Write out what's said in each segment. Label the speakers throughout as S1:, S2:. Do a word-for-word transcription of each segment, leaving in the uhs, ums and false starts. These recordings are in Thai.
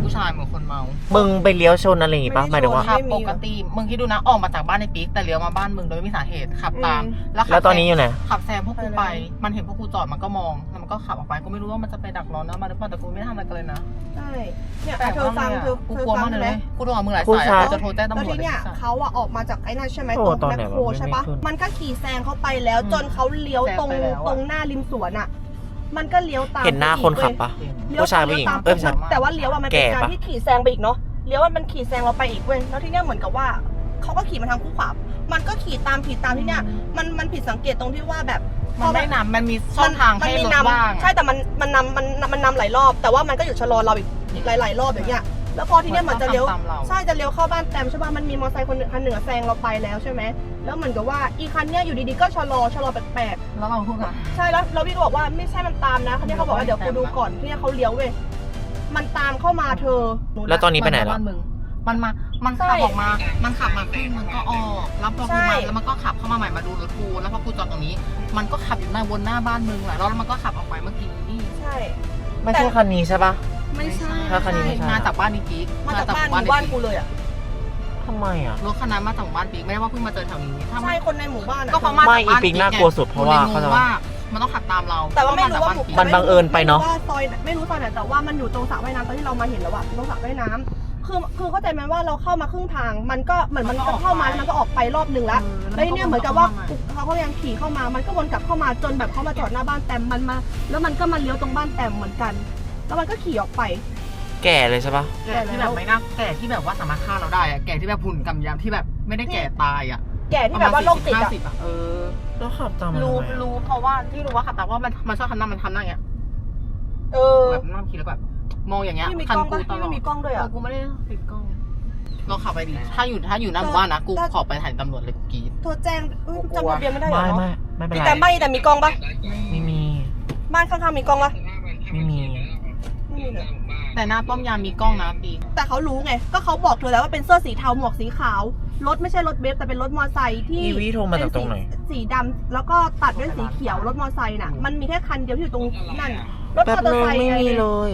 S1: ผู้ชายเหมือนคนเมา
S2: มึงไปเลี้ยวชนอะไรอย่างงี้ปะหมายถึงว่า
S1: ขับปกติมึงคิดดูนะออกมาจากบ้านในปิ๊กแต่เลี้ยวมาบ้านมึงโดยไม่มีสาเหตุขับตาม
S2: แล้วตอนนี้อยู่ไหน
S1: ขับแซงพวกกูไปมันเห็นพวกกูจอดมันก็มองแล้วมันก็ขับออกไปกูไม่รู้ว่ามันจะไปดักรอนะมาหรือเปล่าแต่กูไม่ได้ทำอะไรกันเลยนะ
S3: ใช่เนี่ยเธอฟังเธอ
S1: กูกลัวมากเลยกูโทรหามึงหลายสายจะโทรแจ้งตำรวจ
S3: แล้วทีเนี้ยเขาอะออกมาจากไอ้นั่นใช่ไหมตรงแมคโครใช่ปะมันก็ขี่แซงเขาไปแล้วจนเขาเลี้ยวตรงตรงหน้าริมสวนอะมันก็เลี้ยวตาม
S2: เห็นหน้าคนขับปะผู้ชายผู้หญิงเอ้ย
S3: แต่ว่าเลี้ยวอะมันเป็นการที่ขี่แซงไปอีกเนาะเลี้ยวว่ามันขี่แซงเราไปอีกเว้ยแล้วที่เนี้ยเหมือนกับว่าเขาก็ขี่มาทางคู่ขวามันก็ขี่ตามขี่ตามที่เนี้ยมันมันผิดสังเกตตรงที่ว่าแบบ
S1: มันไม่นำมันมีช่องทางให้รถว่าง
S3: ใช่แต่มันมันนำมันมันนำหลายรอบแต่ว่ามันก็อยู่ชะลอเราอีกอีกหลายๆรอบอย่างเงี้ยแล้วพอทีเนี้ยเหมือนจะเลี้ยวใช่จะเลี้ยวเข้าบ้านแต้มใช่ป่ะมันมีมอเตอร์ไซค์คนหนึ่งคันหนึ่งแซงเราไปแล้วใช่ไหมแล้วเหมือนกับว่าอีคันเนี้ยอยู่ดีๆก็ชะลอชะลอแปลก
S1: ๆแล้วเราพูดอะ
S3: ใช่แล้วเราพี่ก็บอกว่าไม่ใช่มันตามนะคันนี้เขาบอกว่าเดี๋ยวกูดูก่อนที่เขาเลี้ยวเว้ยมันตามเข้ามาเธอ
S2: แล้วตอนนี้ไปไหนล่ะ
S1: มันมามันขับออกมามันขับมาครึ่งมันก็ออกแล้วพอกูมาแล้วมันก็ขับเข้ามาใหม่มาดูรถกูแล้วพอกูจอดตรงนี้มันก็ขับอยู่หน้าวนหน้าบ้านมึงแหละแล้วมันก็ขับออกไปเมื่อกี้
S3: ใช่
S2: ไม่ใช่คันนี้ใช่ปะ
S1: ไม่ใช่
S2: ถ้าคันนี้ไม่ใช่
S1: มาจากบ้านนี้ปี๊ก
S3: มาจากบ้านบ้านกูเลยอ่ะ
S2: ทำไมอ่ะ
S1: รถคันนั้นมาจากบ้านปี๊กไม่ได้ว่าเพิ่งมาเจอแถวนี้
S3: ใช่คนในหมู่บ้าน
S1: ก็เพราะมาจากบ้าน
S2: ปี๊กน่ากลัวสุดเพราะว่าเขา
S1: ว่ามันต้องขับตามเรา
S3: แต่ว่าไม่รู้ว่า
S2: มันบังเอิญไปเนาะ
S3: ว่าซอยไม่รู้ซอยไหนแต่ว่ามันอยู่ตรงสระว่ายน้ำตอนที่เรามาเห็นแล้วอะตรงสระว่ายน้ำคือคือเข้าใจไหมว่าเราเข้ามาครึ่งทางมันก็เหมือนมันก็เข้ามาแล้วมันก็ออกไปรอบหนึ่งแล้วแล้วเนี่ยเหมือนกับว่าเขาก็ยังขี่เข้ามามันก็วนกลับเข้ามาจนแบบเขามาจอดหน้าบ้านแต้มมันมาแล้วมันก็มาเลี้ยวตรงบ้านแต้มเหมือนกันแล้วมันก็ขี่ออกไป
S2: แก่เลยใช่ปะ
S1: แก่ที่แบบไม่น่าแก่ที่แบบว่าสามารถฆ่าเราได้อะแก่ที่แบบหุ่นกำยำที่แบบไม่ได้แก่ตายอะ
S3: แก่ที่แบบว่าโรคติดอะ
S1: เออ
S2: แล้วขับตาม
S1: รู้รู้เพราะว่าที่รู้ว่าขับตามว่ามันมันชอบทำหน้ามันทำหน้าอย่างเงี้ย
S3: เออ
S1: แบบนั่งคิดแล้วแบบมองอย่างเงี้ย
S3: คันกูตลอด
S1: มีกล้องด้วยอ่ะกูไม่ได้ติดกล้องเราขับไปดิถ้าอยู่ถ้าอยู่หน้าหมู่บ้านนะกูขอไปถ่ายตำรวจเลยกูกรีด
S3: โทรแจ้งจำทะเบียนไม่ได้หรอ
S2: ไม่ไม่ไม่เป็นไร
S3: แต่ไม่แต่มีกล้องปะ
S2: ไม่มี
S3: บ้านข้างๆมีกล้องปะ
S2: ไม่มี
S3: ไม่มีเลย
S1: แต่หน้าป้อมยามมีกล้องนะปี
S3: แต่เขารู้ไงก็เขาบอกเธอแล้วว่าเป็นเสื้อสีเทาหมวกสีขาวรถไม่ใช่รถเบฟแต่เป็นรถมอเตอร์ไซค์ที่
S2: อีวีโทรมาจากตรงไหน
S3: สีดำแล้วก็ตัดด้วยสีเขียวรถมอเตอร์ไซค์น่ะมันมีแค่คันเดียวที่อยู่ตรงนั่นรถมอเตอร์ไซค์
S2: ไม่มีเลย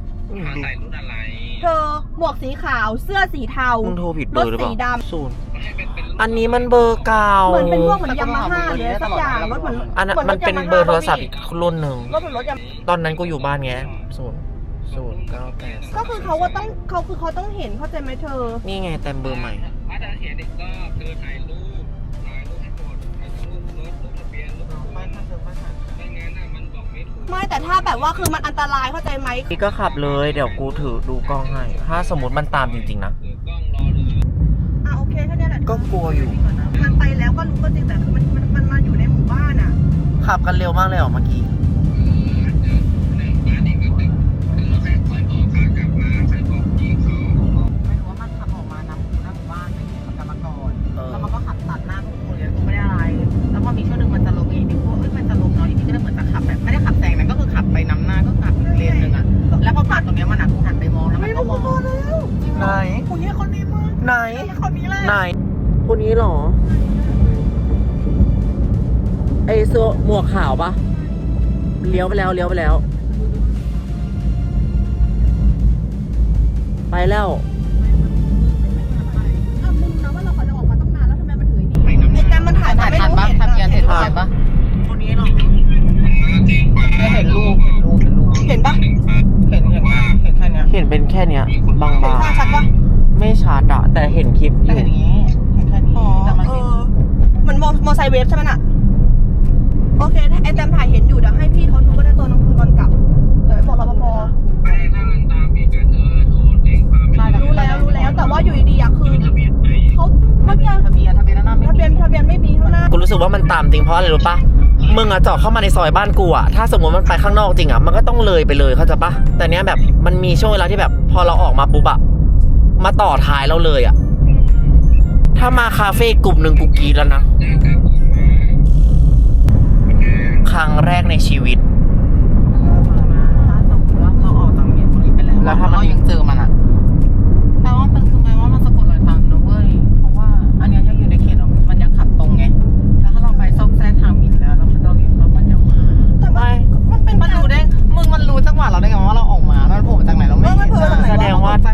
S3: เธอหมวกสีขาวเสื้อสีเทา
S2: มึงโทรผิดเบอร์หรือเปล่า
S3: สีดำ
S2: ศูนย์อันนี้มันเบอร์เก่า
S3: เหมือนเป็นพวกเหมือนยามาฮ่าหรือสักอย่างรถเหมือน
S2: อันนั้นมันเป็นเบอร์โทรศัพท์อีกรุ่นหนึ่ง
S3: รถเหมือนรถยา
S2: ตอนนั้นกูอยู่บ้านไงศูนย์ศูนย์เก้าแปด
S3: ก็คือเขาว่าต้องเขาคือเขาต้องเห็นเข้าใจไหมเธอ
S2: นี่ไงแต่เบอร์ใหม่
S4: ถ้าจะเขียนอีกก็คือถ่ายรูปถ่ายรูปให้หมดถ่ายรูปรถรูปทะเบียนรูปไม่ถ้าเธอไม่ถ่ายไม่งั้นน่ะมันบอกไม่ถูก
S3: ไม่แต่ถ้าแบบว่าคือมันอันตรายเข้าใจไหม
S2: พี่ก็ขับเลยเดี๋ยวกูถือดูกล้องให้ถ้าสมมติมันตามจริงๆนะ
S3: อ่ะโอเคแค่นี้แหละ
S2: ก็กลัวอยู่
S3: มันไปแล้วก็รู้ก็จริงแต่มันมันมันมาอยู่ในหมู่บ้านอ่ะ
S2: ขับกันเร็วมากเลยเหรอเมื่อกี้
S1: มีช่วงนึงมันจะลงเองดิพวกเอ้ยมันจะลงเนาะอีกทีก็เลยเหมือนจะขับแบบไม่ได้ขับแซงนะก็คือขับไปน้ำหน้าก็ขับเลนนึงอ่ะแล้วพอผ่านตรงนี้มันอ่ะกูหันไปมองแล้วมันก็มอง
S2: ไหน
S1: คนนี้คนนี้มั้ง
S2: ไหน
S1: คนนี้แหละ
S2: ไหนคนนี้หรอไอเสื้อหมวกขาวปะเลี้ยวไปแล้วเลี้ยวไปแล้วไปแล้ว
S3: มันถ่ายถ่ายทันปะ
S1: ทะเบียนเห็นปะคนนี้หรอไม่เห็นรูปเห็นรูป
S3: เห็นปะ
S1: เห็นเห็นเห็นแค่นี้
S2: เห็นเป็นแค่เนี้ยบางๆ
S3: เห็นชัดปะ
S2: ไม่ชัดอะแต่เห็นคลิป
S1: แต่เห็นอย่างนี้เห็นแค่นี้แต่มันเห็น
S3: มันมอมอไซค์เวฟใช่ไหมน่ะโอเคไอแตมถ่ายเห็นอยู่เดี๋ยวให้พี่เขาดูก็ได้ตัวน้องคุณตอนกลับเดี๋ยวบอกรปภรู้แล้วรู้แล้วแต่ว่าอยู่ดีๆอะคือเขาทะเบียน
S1: ทะเบียนทะเบียนหน้าไม่
S3: ทะเบียนทะเบียนไม่มีข้างหน้า
S2: กูรู้สึกว่ามันตามจริงเพราะอะไรรู้ปะมึงอะจอดเข้ามาในซอยบ้านกูอะถ้าสมมติมันไปข้างนอกจริงอะมันก็ต้องเลยไปเลยเข้าใจปะแต่เนี้ยแบบมันมีช่วงเวลาที่แบบพอเราออกมาปุ๊บอะมาต่อท้ายเราเลยอะถ้ามาคาเฟ่กลุ่มหนึ่งกูกรี๊ดแล้วนะครั้งแรกในชีวิต
S1: แล้วถ้าเรายังเจอมันอะแปลว่ามันคือแปลว่ามันสะกดรอยตามนะเว้ยเพราะว่าอันนี้ยังอยู่ในเขตมันยังขับตรงไงแล้วถ้าเราไปซอกแซกทางมินแล้วแล้วมันเราเลี้ยวแล้วมันยังมา
S3: แต่ว่ามันเป็น
S1: มันรู้ได้มึงมันรู้จังหวะเราได้ไงว่าเราออกมาแล้วมันโผล่มาจากไหนเราไม่เห็น
S2: แสดงว่า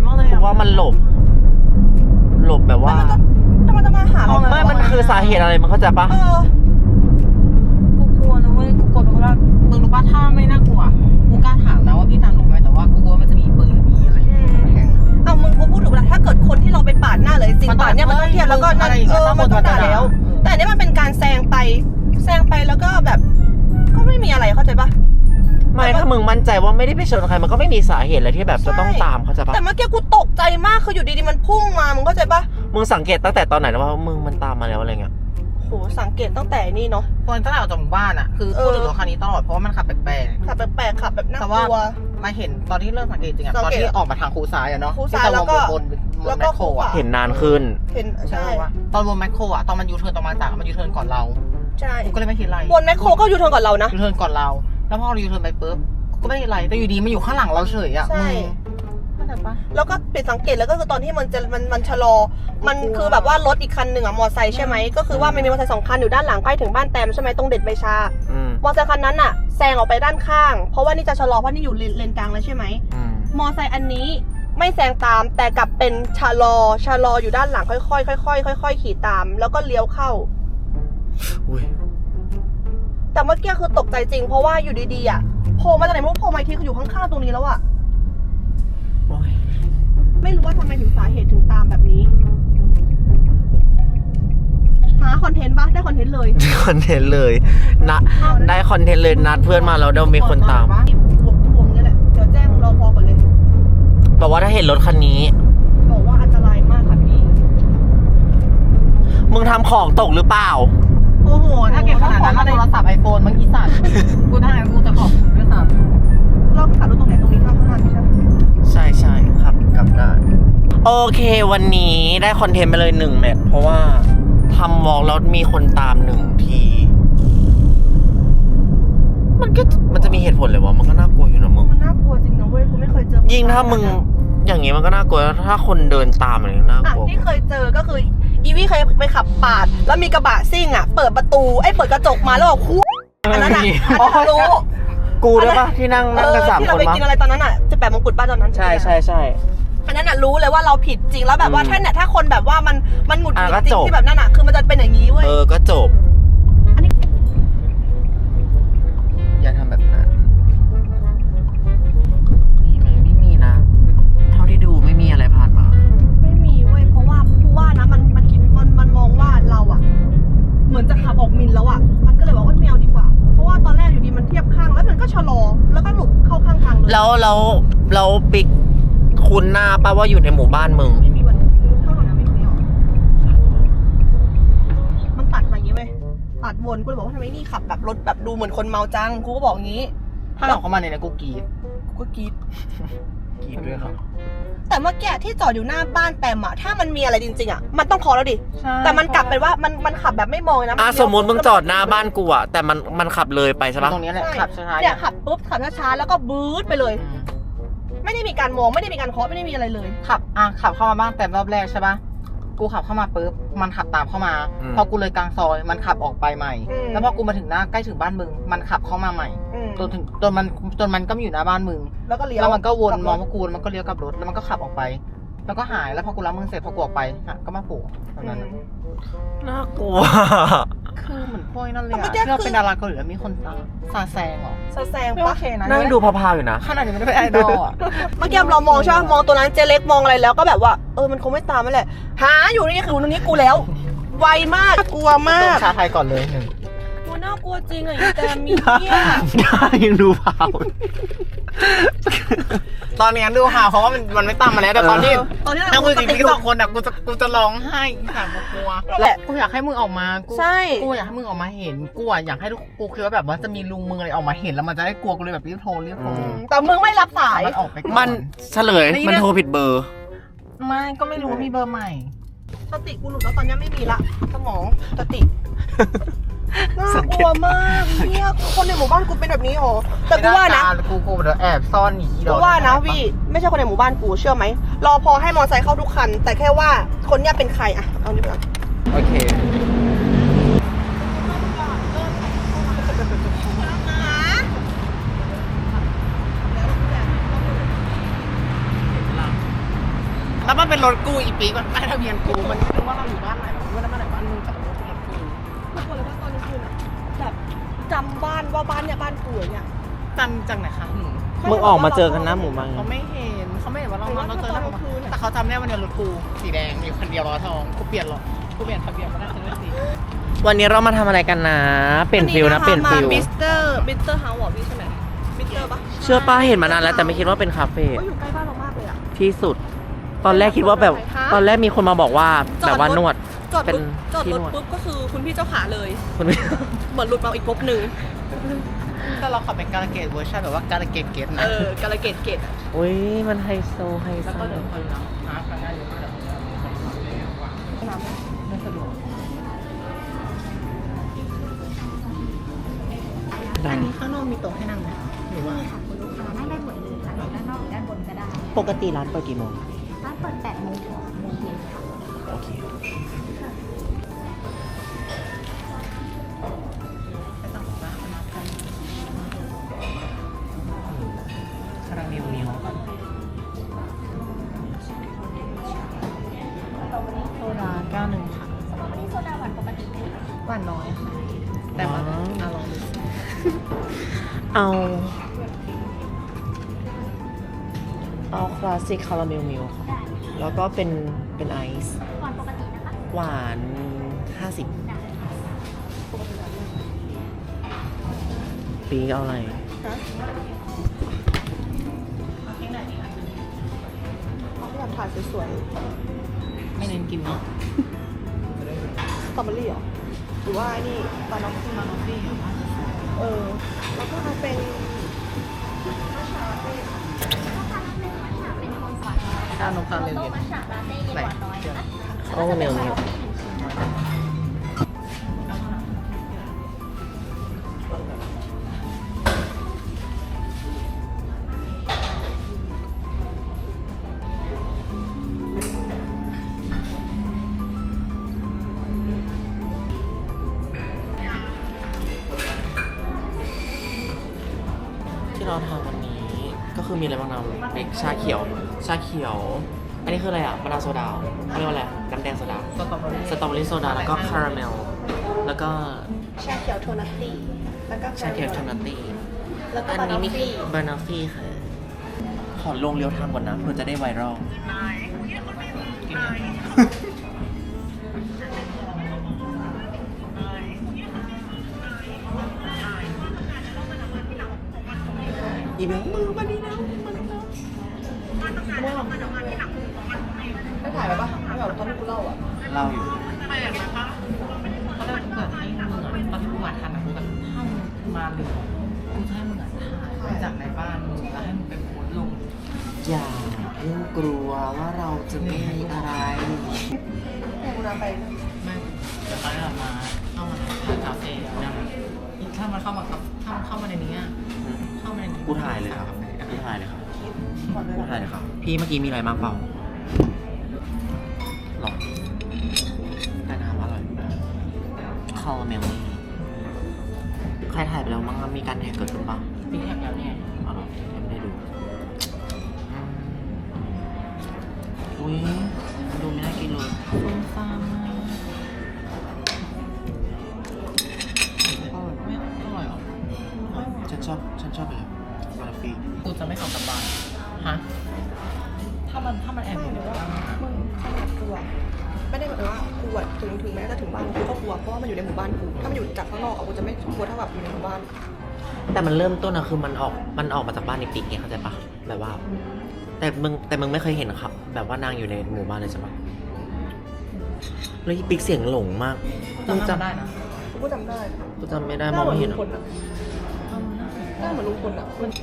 S2: ว่ามันหลบ หลบแบบว่า
S3: จะมาจะมาหาเรา
S2: ไม่มันคือสาเหตุอะไรมันเข้าใจปะ
S3: เออ
S1: กูกลัวนะเว้ยกูกลัวเป็นเพราะว่ามึงรู้ป่ะถ้าไม่น่ากลัวกูกล้าถามนะว่าพี่ตามลงไหมแต่ว่ากูกลัวมันจะมีปืนหรือมีอะไรอย่างเงี้ยแทง
S3: เอามึงกูพูดถูกแล้วถ้าเกิดคนที่เราไปปาดหน้าเลยสิ่งปาดเนี่ยมันต้องเทียบแล้วก็นั่นเออมันต้องด่าแล้ว แต่อันนี้มันเป็นการแซงไปแซงไปแล้วก็แบบ ก็ไม่มีอะไรเข้าใจปะ
S2: ไม่ถ้ามึงมั่นใจว่าไม่ได้ไปชนใครมันก็ไม่มีสาเหตุอะไรที่แบบจะต้องตามเข้าใจปะ
S3: แต่เมื่อกี้กูตกใจมากคืออยู่ดีๆมันพุ่งมามึงเข้าใจปะ
S2: มึงสังเกตตั้งแต่ตอนไหนนะว่ามึงมันตามมาแล้วอะไรเงี้ย
S3: โหสังเกตตั้งแต่นี่เนาะ
S1: คนตั้งแต่ออกจากหมู่บ้านอ่ะคือพูดถึงรถคันนี้ตลอดเพราะว่ามันขับแปลก
S3: ขับแปลกๆขับแบบน่า
S1: แต่
S3: ก
S1: ว่า
S3: ลัว
S1: ๆมาเห็นตอนที่เริ่มสังเกตจริงอ่ะ
S3: สัง
S1: ตอน
S3: เกต
S1: ที่ออกมาทางคูซ้ายอ่ะเนาะ
S3: คูซ้ายแล้วก็
S1: บนบน
S3: แล้ว
S1: แม
S3: ก็
S1: คโครอ่ะ
S2: เห็นนานขึ้น
S3: เห็น
S1: ใช่
S3: ใช่
S1: ว่าตอนบนแมคโครอ่ะตอนมันยูเทิร์นตอนมาจากมันยูเทิร์นก่อนเรา
S3: ใช่
S1: กูก็เลยไม่คิดอะไร
S3: บนแมคโครก็อยู่ทางก่อนเรานะ
S1: ยูเทิร์นก่อนเรา แล้วพอเรายูเทิร์นไปปุ๊บก็ไม่ได้อะไรแต่อยู่ดีมันอยู่ข้างหลังเราเฉยอ่ะ
S3: ใช่
S1: เข้าใจปะ
S3: แล้วก็ปิดสังเกตแล้วก็คือตอนที่มันจะมันมันชะลอ มันคือแบบว่ารถอีกคันหนึ่งอะมอไซค์ใช่ไหมก็คือว่ามันมีมอไซค์สองคันอยู่ด้านหลังใกล้ถึงบ้านแตมใช่ไหมตรงเด็ดใบชา
S2: อืม
S3: มอไซค์คันนั้นอะแซงออกไปด้านข้าง เพราะว่านี่จะชะลอเพราะนี่อยู่เลนเลนกลางแล้วใช่ไหม
S2: อืม
S3: มอไซค์อันนี้ไม่แซงตามแต่กลับเป็นชะลอชะลออยู่ด้านหลังค่อยๆค่อยๆค่อยๆขี่ตาม แล้วก็เลี้ยวเข้า
S2: อุ้ย
S3: แต่เมื่อกี้คือตกใจจริงเพราะว่าอยู่ดีๆอะโผล่มาจากไหนไม่รู้โผล่มาอีกทีคืออยู่ข้างๆตรงนี้แล้วอะ
S2: โอ้ย
S3: ไม่รู้ว่าทำไมถึงสาเหตุถึงตามแบบนี้หาคอนเทนต์ปะได้คอนเทนต์เลย
S2: ได้คอนเทนต์เลยนะได้คอนเทนต์เลยนัดเพื่อนมาแล้วเดี๋ยวมีคนตาม
S3: ที่พวงพวงนี่แหละเดี๋ยวแจ้งรอพอก่อนเลย
S2: บอกว่าถ้าเห็นรถคันนี้
S3: บอกว่าอันตรายมากค่ะพี่
S2: มึงทำของตกหรือเปล่า
S1: โอ้โหถ้าเก็บขนาดนั้นเอาโทรศัพท์ไอโฟนมึงอีสัตว์กูถ้างั้นกูจะขอบคุณด้วยซ้ำ
S3: เราขับรถตรงไหนตรงนี้ข้างข้างไม่ใช่
S2: ใช่ใช่ครับกลับได้โอเควันนี้ได้คอนเทนต์ไปเลยหนึ่งแมทเพราะว่าทำวอล์กแล้วมีคนตามหนึ่งที มันก็มันจะมีเหตุผลเลยวะมันก็น่ากลัวอยู่นะมึง
S3: มันน่ากลัวจริงนะเว้ยกูไม่เคยเจอ
S2: ยิ่งถ้ามึงอย่างงี้มันก็น่ากลัวถ้าคนเดินตามอะไรน่าก
S3: อ่ะ
S2: ลัว
S3: ที่เคยเจอก็คืออีวี่เคยไปขับปาด แล้วมีกระบะซิ่งอ่ะเปิดประตูไอ้เปิดกระจกมาแล้วบอกคู่อันนั้นอ่ะอันนั้นรู้
S2: กูด้วยปะที่นั่งนั่งกันสาม
S3: ที่
S2: ค
S3: เรา
S2: น
S3: ไป
S2: มั้ง
S3: กินอะไรตอนนั้นอ่ะจะแปะมงกุฎบ้านตอนนั้น
S2: ใช่ใช่ใช่
S3: อันนั้นอ่ะรู้เลยว่าเราผิดจริงแล้วแบบว่า
S2: อืม
S3: ถ้าเนี่ยถ้าคนแบบว่ามันมันหงุดหงิด
S2: อ่ะก็
S3: จริ
S2: จ
S3: ง
S2: บ
S3: ที่แบบนั้นอ่ะคือมันจะเป็นอย่างนี้เว้ย
S2: เออก็จบ
S3: อันนี้
S2: อย่าทำแบบนั้นมีไหมไม่มีนะ เท่าที่ดูไม่มีอะไรผ่านมา
S3: ไม่มีเว้ยเพราะว่าผู้ว่านะมันมันคิดมันมันมองว่าเราอ่ะ เหมือนจะขับออกมินแล้วอ่ะมันก็เลยบอกว่าไม่เอาดีกว่า เพราะว่าตอนแรกอยู่ดีมันเทียบข้างแล้วมันก็ชะลอแล้วก็หลุดเข้าข้างทางเลย
S2: แล้วแล้วแล้วปิ๊กคุณหน้าป่ะว่าอยู่ในหมู่บ้านมึง
S3: ไม่มีวันเข้าทางนั้นไม่มีหรอกมันตัดมาอย่างนี้เว้ยตัดวนกูเลยบอกว่าทำไมนี่ขับแบบรถแบบดูเหมือนคนเมาจังกูก็บอกงี้
S1: ถ้าออกเข้ามาเนี่ยนะกูกรีด
S3: กูก็กรีด
S2: กรีดด้วยครับ
S3: แต่เมื่อกี้ที่จอดอยู่หน้าบ้านแปมอะถ้ามันมีอะไรจริงๆอะมันต้องขอแล้วดิ
S1: ใช่
S3: แต่มันกลับเป็นว่ามันมันขับแบบไม่มองเลยนะ
S2: อ่ะสมมติมึงจอดหน้าบ้านกูอะแต่มันมันขับเลยไปใช่ปะ
S1: ตรงนี้แหละ
S3: ใช่
S1: ขับช้าๆ
S3: เนี่ยขับปุ๊บขับช้าๆแล้วก็บู๊ดไปเลย
S1: อืม
S3: ไม่ได้มีการมองไม่ได้มีการเคาะไม่ได้มีอะไรเลย
S1: ขับอ่ะขับเข้ามาบ้างแต่รอบแรกใช่ปะกูขับเข้ามาปุ๊บมันขับตามเข้ามา พอกูเลยกลางซอยมันขับออกไปใหม่
S3: อืม
S1: แล้วพอกูมาถึงหน้าใกล้ถึงบ้านมึงมันขับเข้ามาใหม่
S3: อืม
S1: จนถึงจนมันจนมันก็มาอยู่หน้าบ้านมึง
S3: แล้วก็เลี้ยว
S1: แล้วมันก็วน
S3: ลับรถ
S1: มองว่ากูมันก็เลี้ยวกลับรถแล้วมันก็ขับออกไป แล้วก็หายแล้วพอกูรับมึงเสร็จพอกูออกไปอ่ะก็มาโผล่ตอนนั้น
S3: อืม
S2: น่ากลัว
S1: คือเหมือนพวกนั่นเลย
S3: แต่
S1: อะ
S3: เมื่อกี้
S1: ที่เรา
S3: คือ
S1: เป็นดาราเกาหลีแล้วมีคนตามซาแซงเหรอ
S3: ซาแซง
S1: ไม่
S3: ปะ
S1: โอเคนะ
S2: นั่งดูพาวๆอยู่นะ
S1: ขนาดนี้ไม่ได้เป็นไอดอลอะ
S3: เมื่อกี้เรามองใช่ปะมองตัวนั้นเจเล็กมองอะไรแล้วก็แบบว่าเออมันคงไม่ตามนั่นแหละหาอยู่นี่คือตรงนี้กูแล้ว ไวมากกลัวมา
S1: ต้
S3: ก
S1: องชาไทยก่อนเลยหนึ่ง
S3: กูน่ากลัวจริงอะอีแต่มีเนี่ย
S2: ได้ยังดูพาว
S1: ตอนนี้ดูหาเพราะว่ามันมันไม่ตามมาแล้วแต่ตอนที่
S3: ตอนนี้
S1: นั่งคุยกับพี่สองคนอะกูจะกูจะร้องไห้ค่ะกูกลัว
S3: แหละ
S1: กูอยากให้มึงออกมากู
S3: ใช่
S1: กูอยากให้มึงออกมาเห็นกูอะอยากให้ทุกกูคิดว่าแบบว่าจะมีลุงมึงอะไรออกมาเห็นแล้วมันจะได้กลัวกูเลยแบบรีบโทรรีบโทร
S3: แต่มึงไม่รับสาย
S1: มันออกไปก่อน
S2: มันเฉลยมันโทรผิดเบอร์
S1: ไม่ก็ไม่รู้ว่ามีเบอร์ใหม่
S3: สติกูหลุดแล้วตอนนี้ไม่มีละสมองสติน่ากลัวมากเนี่ยคนในหมู่บ้านกูเป็นแบบนี้โหแต่กูว่านะ
S1: กูกูเดี๋ยวแอบซ่อนหนี
S3: กูว่านะวีไม่ใช่คนในหมู่บ้านกูเชื่อไหมรอพอให้มอไซค์เข้าทุกคัน แต่แค่ว่าคนเนี้ยเป็นใครอะเอานี่ไปก่อน
S2: โอเค
S1: มแล้วมันเป็นรถกูอีปีมันป้ายทะเบียนกูมันนึกว่าเราอยู่บ้านไหนมันไม่ได้บ้านไหนบ้านมึงแต่รถเป็นรถกู
S3: ทุกคนเลยว่าตอนกลางคืนอะแบบจำบ้านว่าบ้านเนี่ยบ้านกูอย่างเงี้ย
S1: จันจากไหนคะหนู
S2: มึงออกมาเจอกันหน้าหมู่บ้าน
S1: เขาไม่เห็นเขาไม่เห็นว่าเราเราเจอแล้วแต่เขาจำได้วันเดียวรถกูสีแดงอยู่คันเดียวล้อทองกูเปลี่ยนหรอกูเปลี่ยนทะเบียนมาได้คันนี้สี
S2: วันนี้เรามาทำอะไรกันนะ เปลี่ยนฟิลนะเปลี่ยนฟิล
S3: มิสเตอร์มิสเตอร์เฮาส์อ่ะพี่ใช่ไหมมิสเตอร์ปะ
S2: เชื่อป้าเห็นมานานแล้วแต่ไม่คิดว่าเป็นคาเฟ่
S3: ก็อยู่ใกล้บ้านเรามากเลยอ่ะ
S2: ที่สุด ตอนแรกคิดว่าแบบ ตอนแรกมีคนมาบอกว่าแบบว่านวด
S3: จอด
S2: เป็น
S3: ปุ๊บจอด
S2: ที่
S3: ร
S2: น
S3: ถ
S2: วด
S3: ปุ๊บก็คือคุณพี่เจ้าขาเลย
S2: คุณพี่
S3: เหมือนหลุดมาอีกภพหนึ่ง
S1: แต่เราขับเป็นการเกตเวอร์ชันแบบว่าการเกตเกตนะ
S3: เออกาลเกตเกตอะ
S2: อุ้ยมันไฮโซไฮโซ
S1: แล้วก็เดินคนนะหาทางง่ายเลยมากเลยไม่สะดวก อันนี้ข้างนอกมีโต๊ะให้นั่งไหมหรือว่า
S5: ค่ะคุณลูกค้านั่งได้หมดเลยค่ะด้านนอกหรือด้านบนก็ได้
S2: ปกติร้านเปิดกี่โมง
S5: ร้านเปิดแปดโมงถึงหกโมงเย็นค่ะ
S2: โอเค
S1: ไปต่างประเทศมากันคาราเมลเนียวกันโซดาแก้วหนึ่งค่ะ
S5: วันนี้โซดาหวานปกติไหมคะ
S1: หวานน้อยค่ะ แต่มันอร่อย
S2: เอา เอาคลาสสิกคาราเมลมิลค่ะ
S5: ได้
S2: แล้วก็เป็นเป็นไอซ์
S5: หวานปกตินะคะ
S2: หวานห้าสิบ
S5: ได้
S2: ปีเอาอะไร
S3: เขาอยากถ่ายสวย
S1: ไม่เน้นกินเนาะ
S3: ๆสตรอเบอรี่เหรอหรือว่าไอ้นี่ปลาน้อง
S1: มาโนฟี่
S3: เออแล้วก็เอาเป็น
S1: ชานมคาราเมล
S5: โต๊ะ
S1: เย็น
S5: มัทฉะลาเต้เย็นหวานน้อยนะคะ
S2: คาราเมลมิล ที่เราทำวันนี้ก็คือมีอะไรบ้างนะเป็นชาเขียว ชาเขียว อันนี้คืออะไรอ่ะมะนาวโซดาเขาเรียกว่าอะไร น้ำแดงโซดา
S1: สตรอเบอรี่
S2: สตรอเบอรี่โซดา แล้วก็คาราเมล แล้วก็
S3: ชาเขียวโทนัตตี้แล้วก็
S2: ชาเขียวชานัตตี้
S3: แล้วก็
S2: อัน
S3: บานา
S2: นี้มี
S3: ฟี่
S2: บานาฟี่ค่ะ ขอลงเรียวทำก่อนนะเพื่อจะได้ไวรัล
S1: กินเนี่ย
S2: อีเบลมือมาดีนะ
S3: ได้ถ่ายไปปะไม่เอาตอนที่กูเล่าอ่ะ
S2: เล่าอยู่
S1: เขาได้เกิดให้มึงอ่ะตอนที่มึงมาทันนะมึงก็ถ้ามึงมาเร็วกูจะให้มึงอ่ะถ่ายจากในบ้านมึงแล้วให้มึงไปโพสต์ลง
S2: อย่าเพิ่งกลัวว่าเราจะไม่มีอะไร
S3: เนี่ยกูนำไป
S1: ไม่เดี๋ยวเขาจะมาเข้ามาในคาเฟ่นะถ้ามันเข้ามาครับถ้ามันเข้ามาในนี้อ่ะเข้ามาในนี้
S2: กูถ่ายเลยครับกูถ่ายเลยครับ
S3: ก่อนเลย
S2: กูถ่ายเลยครับ พี่เมื่อกี้มีอะไรมากเปล่าหรอแต่น้ำอร่อยคาราเมลนี่ใครถ่ายไปแล้วมั้งมีการแท็กเกิดขึ้นปะ
S1: ปีแท็กแล้วเนี่ย
S2: เอาหรอยังไม่ได้ดูอืมอุ้ยดูไม่น่ากินเลย
S1: ฟุ้งซ่านมากไม่อร่อยหรอ
S2: ฉันชอบฉันชอบไปเลยบานาฟี่
S1: กูจะไม่เอากลับบ้านฮะถ้ามันถ้ามันแอบ
S3: ไม่
S1: อยู่
S3: ห
S1: ใน
S3: รือว่า
S1: บ้าน
S3: มึงขนาดกูอะไม่ได้หมายถึงว่ากูอะถึงถึงแม้จะถึงบ้านกูก็กลัวเพราะว่ามันอยู่ในหมู่บ้านกูถ้ามันอยู่จากข้างนอกอะกูจะไม่กลัวเท่าแบบอยู่ในหมู่บ้าน
S2: แต่มันเริ่มต้นอะคือมันออกมันออกมาจากบ้านในปีกไงเข้าใจปะแบบว่า แต่มึงแต่มึงไม่เคยเห็นครับ แบบว่านางอยู่ในหมู่บ้านเลยใช่ปะแล้วอีปิกเสียงหลงมากมึง
S1: จำ
S2: จำ
S1: ได้นะ
S3: กูก็จำได้
S2: กูจำไม่ได้มองไม่เห็น
S3: ห
S2: อะ
S3: น้าเหมือนลุงพลอะหน้าเหมือนลุงพลอะมัน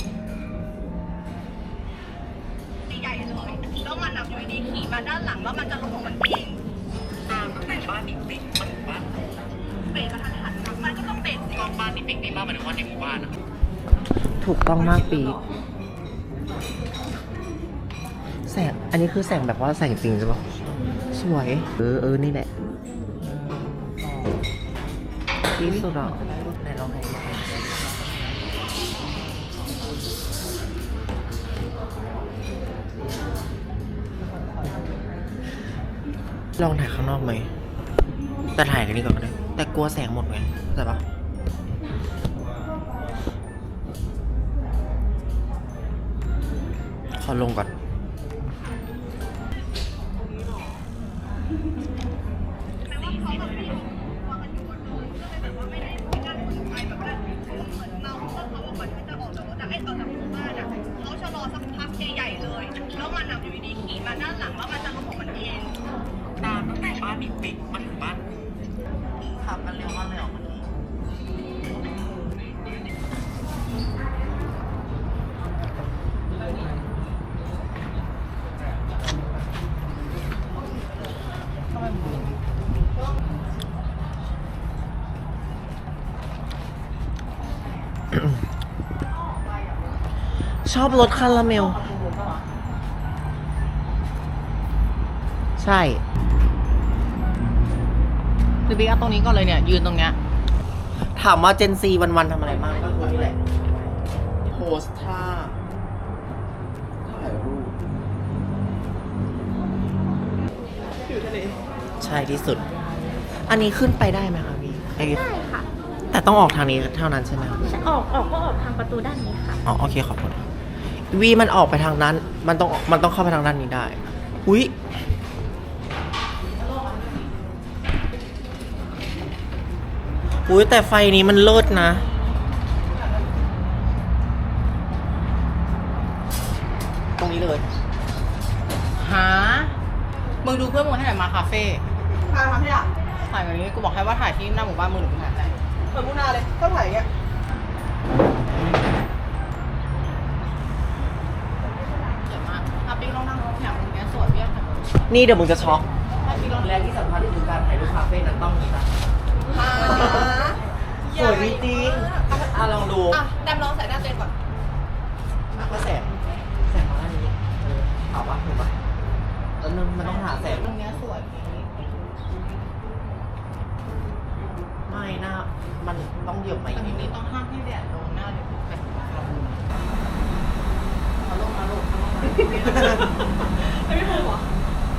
S3: ใหญ่เลยแล้วมันอะอยู่ดีขี่มาด้านหลังแล้วมันจะลงของมันเองตามตั้งแต่บ้านนี่ปิดมันบ้านเบรกกระทันหันมันก็ต้องเบรก
S2: ชอบบ้านในปีกนี่มากหมายถึงว่าในหมู่บ้านอะถูกต้องมากปีกแสงอันนี้คือแสงแบบว่าแสงจริงใช่ปะสวย เออเออนี่แหละที่สุดอ่ะไหนลองให้ดูลองถ่ายข้างนอกไหมแต่ถ่ายกันนี้ก่อนก็ได้แต่กลัวแสงหมดไงเข้าใจปะขอลงก่อนขับกันเร็วมากเลยเหรอชอบรสคาราเมล ใช่
S1: หรือบิ๊กเอาตรงนี้ก่อนเลยเนี่ยยืนตรงเนี้ย
S2: ถามว่าเจนซีวันๆทำอะไรบ้างก็คือนี่แหละ โพสท่าถ่ายรูปใช่ที่สุด อันนี้ขึ้นไปได้ไหมคะพี่ไอ้
S5: ได้ค่ะ
S2: แต่ต้องออกทางนี้เท่านั้นใช่ไหมครับ
S5: ออกออกก็ออกทางประตูด้านนี้ค่ะ
S2: อ๋อโอเคขอบคุณวีมันออกไปทางนั้น มันต้องมันต้องเข้าไปทางด้านนี้ได้ อุ๊ย อุ้ยแต่ไฟนี้มันเลิศนะ ตรงนี้เลย
S1: หา มึงดูเพื่อนมึงให้ไหนมาคาเฟ่
S3: ถ่ายทำให้อ่ะ
S1: ถ่ายแบบนี้กูบอกให้ว่าถ่ายที่หน้าหมู่บ้านมึงหรือมึงถ่ายไหน
S3: เหมือนมุนาเลยต้องถ่ายอย่างเงี้ย
S1: สวยมากอ่ะปิ๊กลองนั่งแถวตรงเนี้ยสวยเบี้ยค่ะ
S2: นี่เดี๋ยวมึงจะช็อก
S1: ให้ปิ๊กลอง
S2: และที่สำคัญคือการถ่ายรูปคาเฟ่นั้นต้องมีนะสวยจริงๆอ่ะลองดู
S3: อ่ะแดมลองใส่หน้าเต้นก่อน
S2: อ่ะก็แสงแสงมาด้านนี้เออถามว่าถูกปะแล้วนึงมันต้องหาแสง
S1: ตรงเนี้ยสวย
S2: ไม่น่ามันต้องเหยียบมา
S1: แต่
S2: อีก
S1: ที
S2: นิดนึ
S1: นี้
S2: ง
S1: ต้องห้ามให้แดดโดนหน้าเดี๋ยวแบบมาลงมาลงมาลงมา
S3: ไม่ไม่พูดเหรอ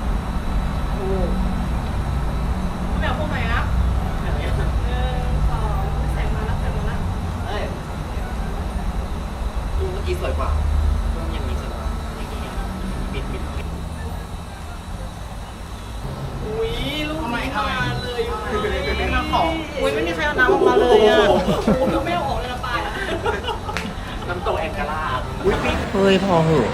S3: ไม่เอาพูดไหมนะหนึ่งสองแสงมาแล้วแสงมาแล้ว
S2: เอ้ยดูเมื่อกี้สวยกว่าต้องอย่างนี้สวยกว่าอย่างนี้บิดบิดบิด
S3: อุ้ยลูก
S1: เอาใหม่
S3: นี้
S1: เอาใหม่
S3: มาเลย
S1: ไม่มาขออุ้ยไม่มีใครเอาน้ำออกมาเลยอ่ะ
S3: โอ้ยไม่เอาออกเลยนะปลายอ่ะ
S2: น้ำตกแองการาอุ้ยปิ๊กเฮ้ยพอเหอะ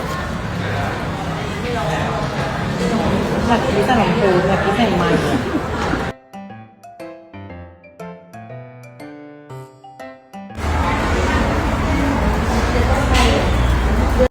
S1: แบบนี้แต่ลำโพงแบบนี้ใส่ไมค์